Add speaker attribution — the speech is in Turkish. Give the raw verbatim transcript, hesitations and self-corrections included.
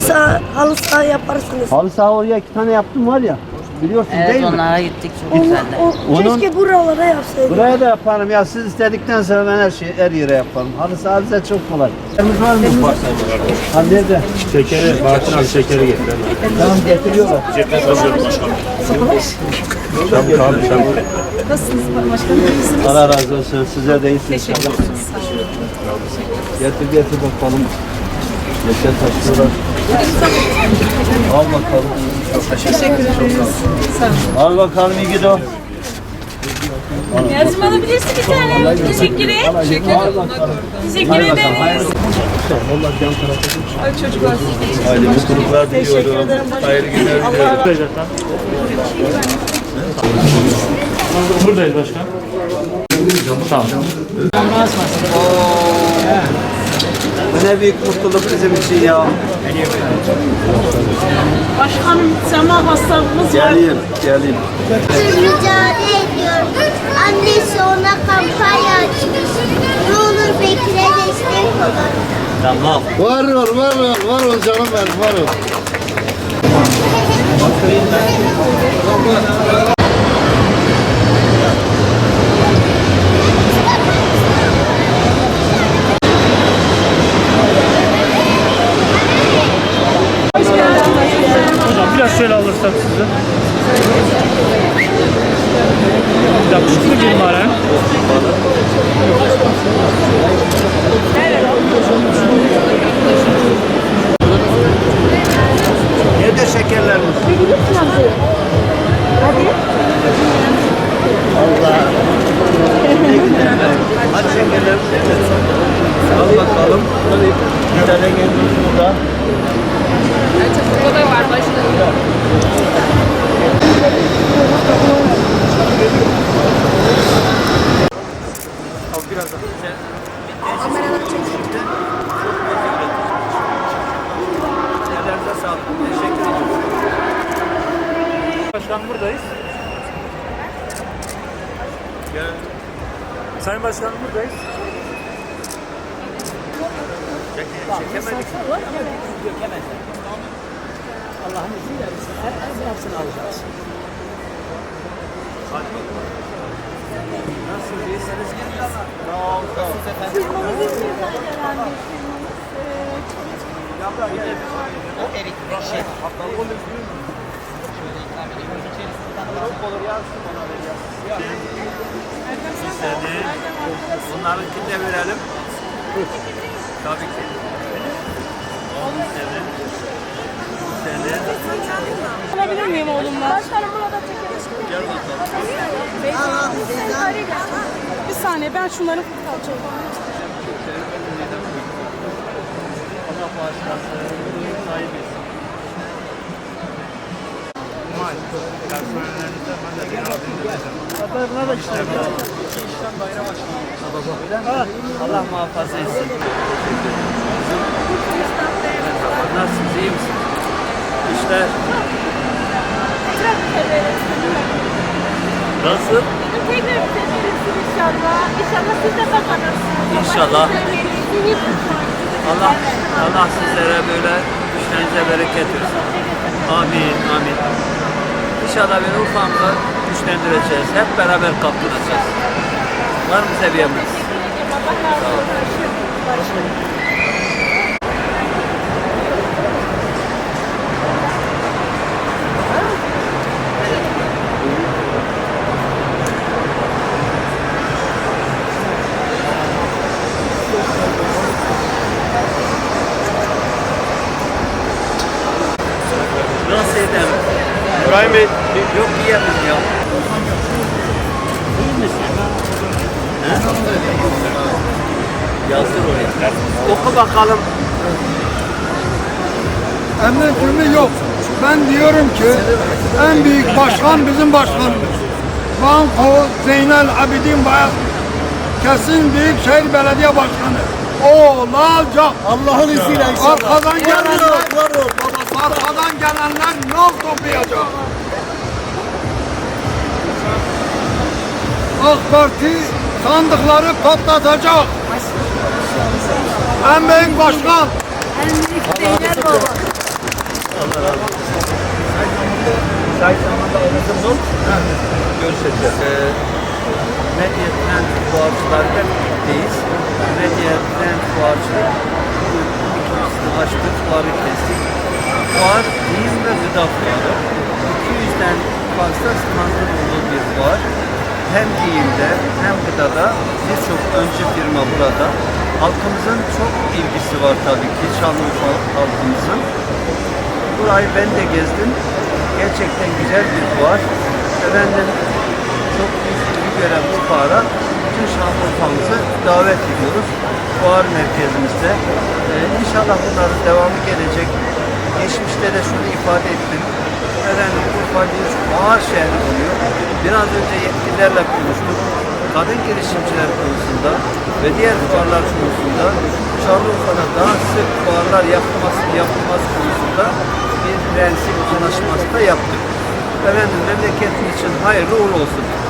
Speaker 1: saha, halı saha yaparsınız.
Speaker 2: Halı saha oraya iki tane yaptım var ya. Biliyorsun
Speaker 3: Evet,
Speaker 2: değil mi?
Speaker 3: onlara gittik, çok güzeldi.
Speaker 1: O,
Speaker 2: Onun-
Speaker 1: keşke buralara yapsaydık.
Speaker 2: Buraya da yaparım ya, siz istedikten sonra ben her şeyi her yere yaparım. Halı saha bize çok kolay. Şekerimiz var mı? Var. Ha nerede?
Speaker 4: Şekeri, Bahattin abi şekeri getir.
Speaker 2: Tamam getiriyorlar.
Speaker 4: Cephe hazır başkanım. Şamur abi, şamur.
Speaker 5: Nasılsınız başkanım? İyisiniz?
Speaker 2: Allah razı olsun. Size de iyisiniz.
Speaker 5: Teşekkür ederiz.
Speaker 2: Getir getir bakalım. Yeter taşıyorlar. Al bakalım.
Speaker 5: Teşekkür ederiz. Sağ olun.
Speaker 2: Al bakalım iyi gidiyor.
Speaker 6: Yazım alabilirsin bir tane. Teşekkür ederim.
Speaker 2: Al bakalım.
Speaker 6: Teşekkür
Speaker 2: Hadi bakalım.
Speaker 6: ederim.
Speaker 2: Hayırlı olsun. Allah yan tarafa.
Speaker 5: Ay çocuklar.
Speaker 2: Hayırlı mutluluklar diliyorum. Hayırlı günler diliyorum.
Speaker 4: Buradayız başkan. Tamam.
Speaker 2: Bu ne büyük mutluluk bizim için ya.
Speaker 6: Başkanım sema hastalığımız var.
Speaker 2: Geleyim, geleyim.
Speaker 7: Mücadele ediyor. Annesi ona kampanya açmış. Ne olur Bekir'e destek olun.
Speaker 2: Tamam.
Speaker 8: Var ol, var ol, var ol canım benim, var ol.
Speaker 4: Hocam biraz şöyle alırsak sizi. Yakışıklı bir numara.
Speaker 2: Nerede şekerlerimiz? Allah. Ne güzel. Hadi şekerlerimiz. Al bakalım. Bir tane gelmiş burada.
Speaker 6: O da var başkanım.
Speaker 2: Ellerinize sağlık. Teşekkür ederim.
Speaker 4: Başkan buradayız.
Speaker 2: Gel.
Speaker 4: Sayın Başkanım buradayız.
Speaker 2: Çekemedik.
Speaker 3: Allah'ın izniyle her, her hepsini alacağız.
Speaker 2: Nasıl iyisiniz? Sağ ol, sağ ol.
Speaker 3: O erik şey.
Speaker 2: Bunlarınkini de verelim. Tabii ki.
Speaker 6: Alabilir miyim oğlumla? Başkanım burada
Speaker 2: Gel bakalım.
Speaker 6: Bir saniye ben şunları alacağım.
Speaker 2: Allah bağışlasın. Sahibiz. Personellerinize ben de bir yardım edeceğim. Buna da işte. İşten bayram açmak. Allah muhafaza etsin. Nasılsınız? İyi misiniz? İşler. Nasıl?
Speaker 6: Tekrar bitebilirsin inşallah. İnşallah siz de kazanırsınız.
Speaker 2: İnşallah. Allah Allah sizlere böyle güçlerinize bereket versin. Amin, amin. İnşallah beni Urfa'mıza güçlendireceğiz. Hep beraber kalkınacağız. Var mı seviyemiz? Sağ olun. Nasıl edem?
Speaker 4: İbrahim Bey.
Speaker 2: Yok yiyemem ya. İyi misin? He? Yazdır oraya. Oku bakalım.
Speaker 8: Emretimi yok. Ben diyorum ki en büyük başkan bizim başkanımız. Banko Zeynel Abidin Bayat kesin Büyükşehir Belediye Başkanı. Olacak. Allah'ın izniyle inşallah. Arkadan gelenler, arkadan gelenler nal toplayacak. AK Parti sandıkları patlatacak. En büyük başkan.
Speaker 1: En büyük Zeynel Baba.
Speaker 2: merkezi. Fuar giyim ve gıda fuarı. iki yüzden fazla standın olduğu bir fuar. Hem giyimde hem gıdada birçok öncü firma burada. Halkımızın çok ilgisi var tabii ki, Şanlıurfa halkımızın. Burayı ben de gezdim. Gerçekten güzel bir fuar. Efendim, çok büyük ilgi gören bu fuara bütün Şanlıurfa'mızı davet ediyoruz. Fuar merkezimizde. Ee, inşallah bunların devamı gelecek. Geçmişte de şunu ifade ettim. Efendim, Urfa bir fuar şehri oluyor. Biraz önce yetkililerle konuştuk. Kadın girişimciler konusunda ve diğer fuarlar konusunda Şanlıurfa'da daha sık fuarlar yapılması, yapılması konusunda bir prensip anlaşması da yaptık. Efendim, memleketin için hayırlı uğurlu olsun.